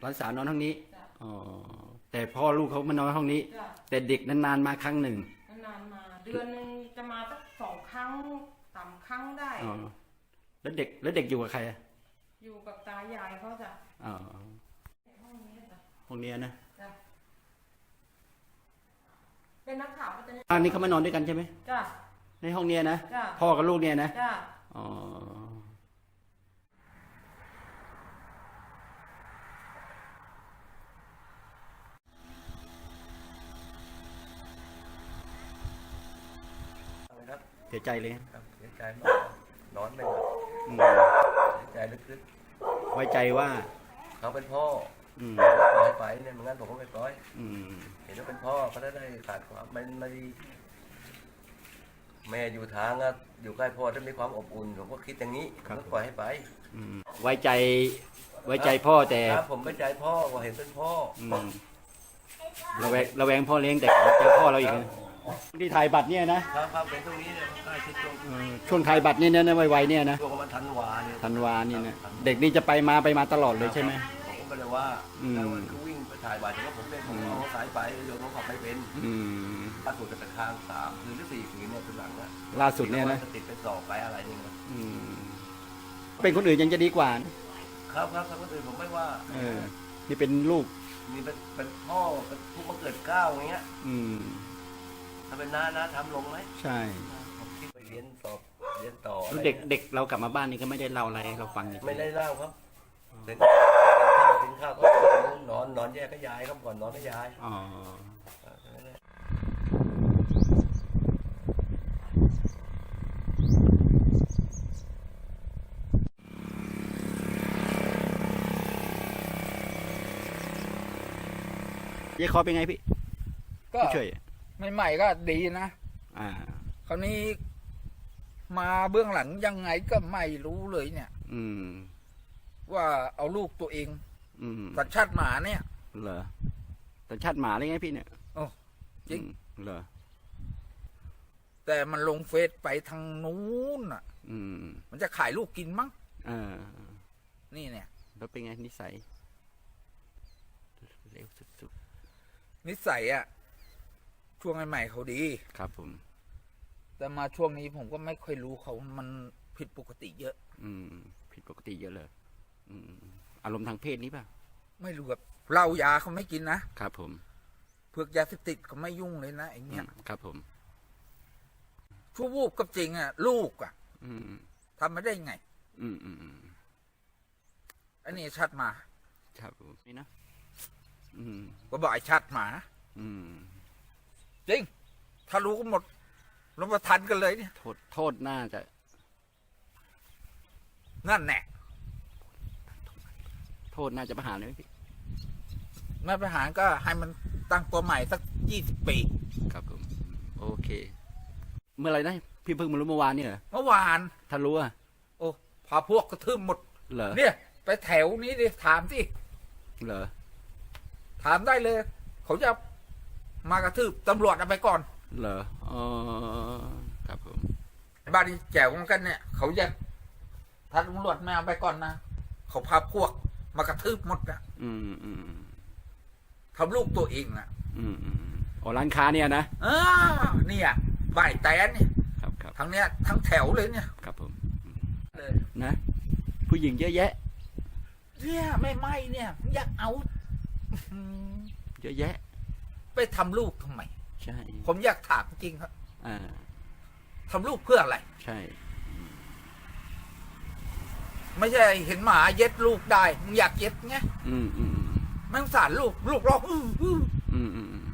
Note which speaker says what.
Speaker 1: ลานสาวนอนห้องนี้
Speaker 2: จ้ะ
Speaker 1: อ๋อแต่พ่อลูกเขามานอนห้องนี้
Speaker 2: จ้ะ
Speaker 1: แต่เด็กนานๆมาครั้งหนึ่ง
Speaker 2: นานๆมา เดือนหนึงจะมาสัก2 ครั้ง3 ครั้งได้
Speaker 1: อ๋อแล้วเด็กอยู่กับใครอะ
Speaker 2: อยู่กับตายายเขาจ้ะ
Speaker 1: อ๋อ
Speaker 2: ห้องนี้จ้ะ
Speaker 1: ห้องนี้นะ
Speaker 2: จ้ะเป็นนักข่าวก็จะ
Speaker 1: อันนี้เขามานอนด้วยกันใช่ไหม
Speaker 2: จ้ะ
Speaker 1: ในห้องเนี้ยนะ
Speaker 2: จ้ะ
Speaker 1: พ่อกับลูกเนี่ยนะ
Speaker 2: จ้ะ
Speaker 1: อ๋อ
Speaker 3: ครับ
Speaker 1: เสียใจเลย
Speaker 3: ครับเสียใจมากนอนไม่หลับ
Speaker 1: อืม
Speaker 3: เสียใจลึก
Speaker 1: ไว้ใจว่า
Speaker 3: ๆเขาเป็นพ่อ
Speaker 1: อืม
Speaker 3: ปล่อยไปเนี่ยเหมือนกันผมก็ไม่ปล่อย
Speaker 1: อืม
Speaker 3: เห็นว่าเป็นพ่อเขาได้ขาดความเป็นมาดีแม่อยู่ทางอะอยู่ใกล้พ่อถ้ามีความอบอุ่นผมก็คิดอย่างนี้ผมก็ปล่อยให้ไป
Speaker 1: อืมไว้ใจพ่อแต่
Speaker 3: ครับผมไม่ใจพ่อว่าเห็นเป็นพ่อ
Speaker 1: อืมระแวงพ่อเลี้ยงแต่เจอพ่อเราอีกนะที่ถ่ายบัตรเนี่ยนะครับ
Speaker 3: ครับเป็นตรงนี้เนี่ยใกล้ชิดตรง
Speaker 1: ช่วงถ่ายบัตรเนี่ยนะไวๆเนี่ยนะ
Speaker 3: ช่วงประมาณธันวาเนี่ย
Speaker 1: ธันวานี่นะเด็กนี่จะไปมาตลอดเลยใช่ไหม
Speaker 3: ผมก็ไม่ได้ว่า
Speaker 1: อืม
Speaker 3: แล้วมันก็วิ่งไปถ่ายบัตรแต่ว่าผมเป็นผมเอาสายไปโยนเขาขับไม่เป็น
Speaker 1: อืม
Speaker 3: ล่าสุดจะเป็นทาง3 คืนหรือ 4 คืนเนี่ยคือหลังนะ
Speaker 1: ล่าสุดเนี่ยนะ
Speaker 3: ติดเป็นสอบไปอะไรนี่นะ
Speaker 1: อืมเป็นคนอื่นยังจะดีกว่านะครับ
Speaker 3: ครับคนอื่นผมไม่ว่า
Speaker 1: เออนี่เป็นลูก
Speaker 3: นี่เป็นพ่อเป็นผู้บังเกิดเกล้าอย่างเงี้ย
Speaker 1: อืม
Speaker 3: ถ้าเป็นน้าทำลงไหม
Speaker 1: ใช่
Speaker 3: ผมคิดไปเรียนสอบเรียนต่ออะ
Speaker 1: แล้ว
Speaker 3: ไร
Speaker 1: เด็กเรากลับมาบ้านนี่ก็ไม่ได้เล่าอะไรให้เราฟังเลย
Speaker 3: ไม่ได้เล่าครับกินข้าวก็นอนแยกกับยายครับก่อนนอนกับยาย
Speaker 1: อ๋อเย้คอเป็นไงพี่
Speaker 4: ก็
Speaker 1: ผู้ช่วย
Speaker 4: ใหม่ๆก็ดีนะ
Speaker 1: อ่า
Speaker 4: คราวนี้มาเบื้องหลังยังไงก็ไม่รู้เลยเนี่ย
Speaker 1: อืม
Speaker 4: ว่าเอาลูกตัวเอง
Speaker 1: อืม
Speaker 4: สัญชาติหมาเนี่ย
Speaker 1: เหรอสัญชาติหมาเลยไงพี่เนี่ย
Speaker 4: โอ้จริง
Speaker 1: เหรอ
Speaker 4: แต่มันลงเฟซไปทางนู้นอ่ะ
Speaker 1: อืม
Speaker 4: มันจะขายลูกกินมั้ง
Speaker 1: เออ
Speaker 4: นี่เนี่ย
Speaker 1: แล้วเป็นไงนิสัยเร็วสุด
Speaker 4: นิสัยอ่ะช่วงใหม่ๆเขาดี
Speaker 1: ๆครับผม
Speaker 4: แต่มาช่วงนี้ผมก็ไม่ค่อยรู้เขามันผิดปกติเยอะ
Speaker 1: อืม ผิดปกติเยอะเลย อืม อารมณ์ทางเพศนี้ป่ะ
Speaker 4: ไม่รู้แบบเหล้ายาเขาไม่กินนะครับ
Speaker 1: ผม
Speaker 4: เพือกยาเสพติดเขาไม่ยุ่งเลยนะไอ้เนี่ย
Speaker 1: ครับผม
Speaker 4: ชั่ววูบกับจริงอ่ะ ลูกอ่ะ
Speaker 1: อืม
Speaker 4: ทำไม่ได้ไง
Speaker 1: อืมอืมอืม
Speaker 4: อันนี้ชัดมา
Speaker 1: ครับผมนี่นะ อืม
Speaker 4: ก็บอกไอ้ชัดหมา
Speaker 1: อืม
Speaker 4: จริง ถ้ารู้ก็หมดลงมาทันกันเลยเนี่ย
Speaker 1: โทษน่าจะ
Speaker 4: นั่นแน่
Speaker 1: โทษน่าจะประหารเลยไหมพี่
Speaker 4: แม่ประหารก็ให้มันตั้งตัวใหม่สัก20 ปี
Speaker 1: ครับผม โอเค เมื่อไหรนะ พี่เพิ่งมารู้เมื่อวานนี่เหรอ
Speaker 4: เมื่อวาน
Speaker 1: ถ้ารู้อะ
Speaker 4: โอ้พาพวกกระทืบหมด
Speaker 1: เหรอ
Speaker 4: เนี่ย ไปแถวนี้ดิถามสิ
Speaker 1: เหรอ
Speaker 4: ถามได้เลย เขาจะมากระทืบตำรวจเอาไปก่อน
Speaker 1: เหรอ อ๋อ ครับผม
Speaker 4: บ้านนี้แจ๋วเหมือนกันเนี่ย เขาจะถ้าตำรวจไม่เอาไปก่อนนะเขาพาพวกมากระทืบหมดนะ
Speaker 1: อืมอืม
Speaker 4: ทำลูกตัวเองอ่ะ
Speaker 1: อืมอ๋อร้านค้าเนี่ยนะ
Speaker 4: เนี่ยบ่ายแตนเนี่ย
Speaker 1: ครับครับ
Speaker 4: ทั้งเนี้ยทั้งแถวเลยเนี่ย
Speaker 1: ครับผม
Speaker 4: เลย
Speaker 1: นะ ผู้หญิงเยอะแยะ
Speaker 4: เนี่ยไม่เนี่ยอยากเอาอืม
Speaker 1: เยอะแยะ
Speaker 4: ไปทำลูกทำไม
Speaker 1: ใช่
Speaker 4: ผมอยากถามจริงครับ
Speaker 1: อ่า
Speaker 4: ทำลูกเพื่ออะไร
Speaker 1: ใช่
Speaker 4: ไม่ใช่เห็นหมาเย็ดลูกได้มึงอยากเย็ดไง
Speaker 1: อืมอืม
Speaker 4: ไม่สงสารลูกร้อง
Speaker 1: อืม